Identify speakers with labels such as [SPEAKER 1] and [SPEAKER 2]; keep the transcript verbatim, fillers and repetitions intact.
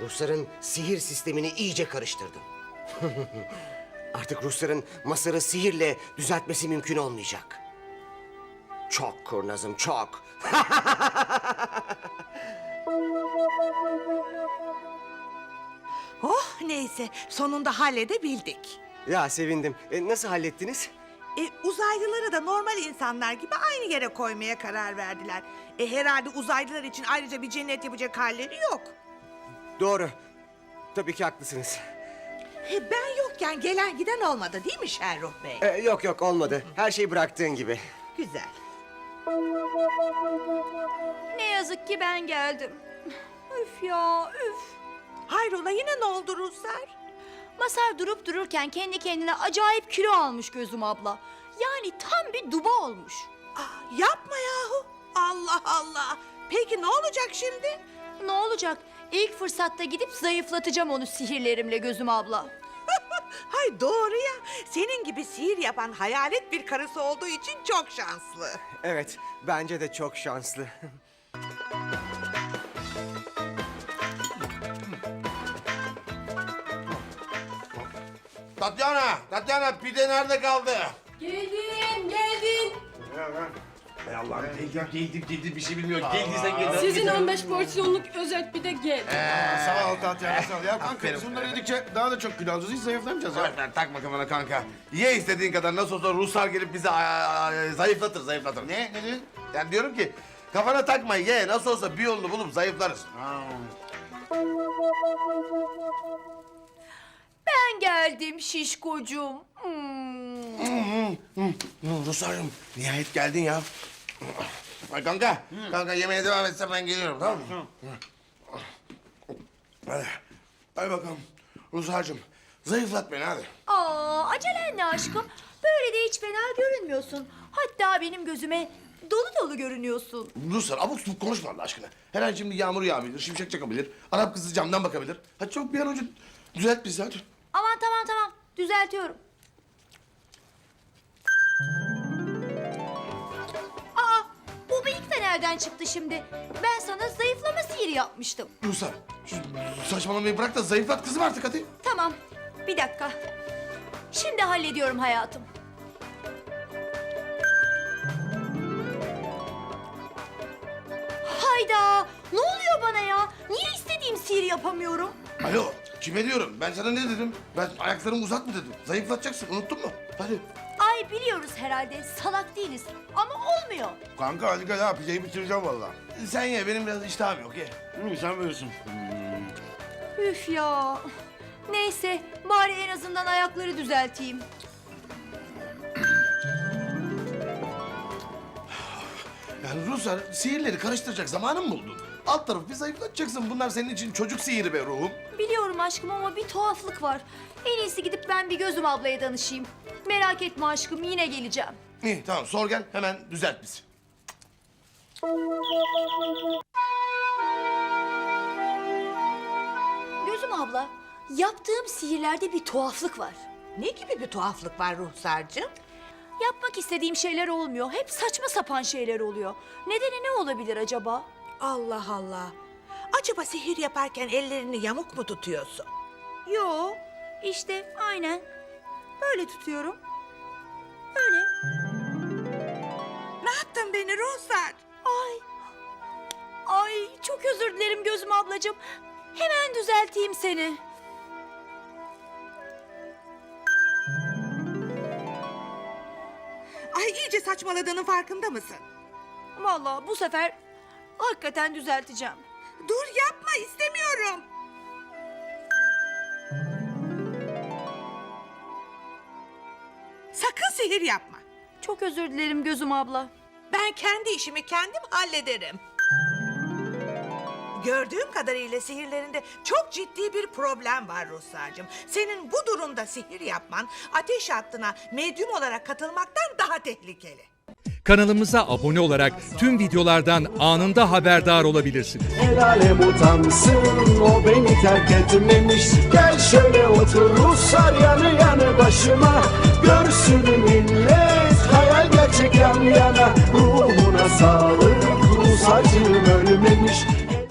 [SPEAKER 1] Rusların sihir sistemini iyice karıştırdım. Artık Rusların Masar'ı sihirle düzeltmesi mümkün olmayacak. Çok kurnazım, çok.
[SPEAKER 2] Oh neyse sonunda halledebildik.
[SPEAKER 1] Ya sevindim. E, nasıl hallettiniz?
[SPEAKER 2] E, uzaylıları da normal insanlar gibi aynı yere koymaya karar verdiler. E, herhalde uzaylılar için ayrıca bir cennet yapacak halleri yok.
[SPEAKER 1] Doğru. Tabii ki haklısınız.
[SPEAKER 2] E, ben yokken gelen giden olmadı değil mi Şerruh Bey?
[SPEAKER 1] E, yok yok olmadı. Her şey bıraktığın gibi.
[SPEAKER 2] Güzel.
[SPEAKER 3] Ne yazık ki ben geldim. Üf ya üf.
[SPEAKER 2] Hayrola yine ne oldu Ruslar?
[SPEAKER 3] Masar durup dururken kendi kendine acayip kilo almış Gözüm abla. Yani tam bir duba olmuş.
[SPEAKER 2] Aa, yapma yahu. Allah Allah. Peki ne olacak şimdi?
[SPEAKER 3] Ne olacak? İlk fırsatta gidip zayıflatacağım onu sihirlerimle Gözüm abla.
[SPEAKER 2] Hay doğru ya. Senin gibi sihir yapan hayalet bir karısı olduğu için çok şanslı.
[SPEAKER 1] Evet, bence de çok şanslı.
[SPEAKER 4] Tatyana, Tatyana pide nerede kaldı?
[SPEAKER 5] Geldim, geldim.
[SPEAKER 4] Ey Allah'ım geldim, geldim, geldim bir şey bilmiyorum. Geldiysen gel.
[SPEAKER 5] Sizin on beş porsiyonluk özet bir de gel.
[SPEAKER 6] Sağ ol Tatyana sağ ol. Ya kanka
[SPEAKER 4] Aferin.
[SPEAKER 6] biz bunları yedikçe daha da çok kilo alacağız. Hiç zayıflamayacağız ya.
[SPEAKER 4] Ver, ver, takma kafana kanka. Ye istediğin kadar, nasıl olsa Ruslar gelip bizi a- a- zayıflatır, zayıflatır.
[SPEAKER 6] Ne? Ne dedin?
[SPEAKER 4] Yani diyorum ki kafana takma, ye, nasıl olsa bir yolunu bulup zayıflarız.
[SPEAKER 3] Ben geldim şişkocuğum. Hmm.
[SPEAKER 4] Ruslarım, nihayet geldin ya. Ay kanka, kanka yemeğe devam etsem ben geliyorum, tamam mı? Hadi, hadi bakalım. Ruslarcığım, zayıflat beni hadi.
[SPEAKER 3] Aa, acelen ne aşkım? Böyle de hiç fena görünmüyorsun. Hatta benim gözüme dolu dolu görünüyorsun.
[SPEAKER 4] Ruslar abuk subuk konuşma Allah aşkına. Her an şimdi yağmur yağabilir, şimşek çakabilir. Arap kızı camdan bakabilir. Hadi çabuk bir an önce düzelt bizi hadi.
[SPEAKER 3] Aman tamam tamam düzeltiyorum. Aa, bu bıyık da nereden çıktı şimdi? Ben sana zayıflama sihiri yapmıştım.
[SPEAKER 4] Ruslar, şu saçmalamayı bırak da zayıflat kızım artık hadi.
[SPEAKER 3] Tamam, bir dakika. Şimdi hallediyorum hayatım. Hayda! Ne oluyor bana ya? Niye istediğim sihir yapamıyorum?
[SPEAKER 4] Alo, kime diyorum? Ben sana ne dedim? Ben ayaklarımı uzat mı dedim? Zayıflatacaksın, unuttun mu? Hadi.
[SPEAKER 3] Ay biliyoruz herhalde, salak değiliz. Ama olmuyor.
[SPEAKER 6] Kanka hadi gel ha pideyi bitireceğim vallahi.
[SPEAKER 4] Sen ye, benim biraz iştahım yok ye.
[SPEAKER 6] Hı, sen bilirsin.
[SPEAKER 3] Üf ya. Neyse, bari en azından ayakları düzelteyim.
[SPEAKER 4] Yani Ruslar sihirleri karıştıracak zamanın mı buldun? Alt tarafı bir zayıflatacaksın. Bunlar senin için çocuk sihiri be ruhum.
[SPEAKER 3] Biliyorum aşkım ama bir tuhaflık var. En iyisi gidip ben bir Gözüm ablaya danışayım. Merak etme aşkım, yine geleceğim.
[SPEAKER 4] İyi tamam sor gel hemen düzelt bizi.
[SPEAKER 3] Gözüm abla, yaptığım sihirlerde bir tuhaflık var.
[SPEAKER 2] Ne gibi bir tuhaflık var Ruhsar'cığım?
[SPEAKER 3] Yapmak istediğim şeyler olmuyor. Hep saçma sapan şeyler oluyor. Nedeni ne olabilir acaba?
[SPEAKER 2] Allah Allah. Acaba sihir yaparken ellerini yamuk mu tutuyorsun?
[SPEAKER 3] Yo, işte aynen. Böyle tutuyorum. Öyle.
[SPEAKER 2] Ne yaptın beni Ruhsar?
[SPEAKER 3] Ay. Ay, çok özür dilerim Gözüm ablacığım. Hemen düzelteyim seni.
[SPEAKER 2] Ay iyice saçmaladığının farkında mısın?
[SPEAKER 3] Vallahi bu sefer hakikaten düzelteceğim.
[SPEAKER 2] Dur yapma istemiyorum. Sakın sihir yapma.
[SPEAKER 3] Çok özür dilerim Gözüm abla.
[SPEAKER 2] Ben kendi işimi kendim hallederim. Gördüğüm kadarıyla sihirlerinde çok ciddi bir problem var Ruhsar'cığım. Senin bu durumda sihir yapman ateş hattına medyum olarak katılmaktan daha tehlikeli.
[SPEAKER 7] Kanalımıza abone olarak tüm videolardan anında haberdar olabilirsiniz.
[SPEAKER 8] El alem utansın, o beni terk etmemiş. Gel şöyle otur Ruslar yanı yanı başıma. Görsün millet hayal gerçek yan yana. Ruhuna sağlık, Rus acım ölmemiş.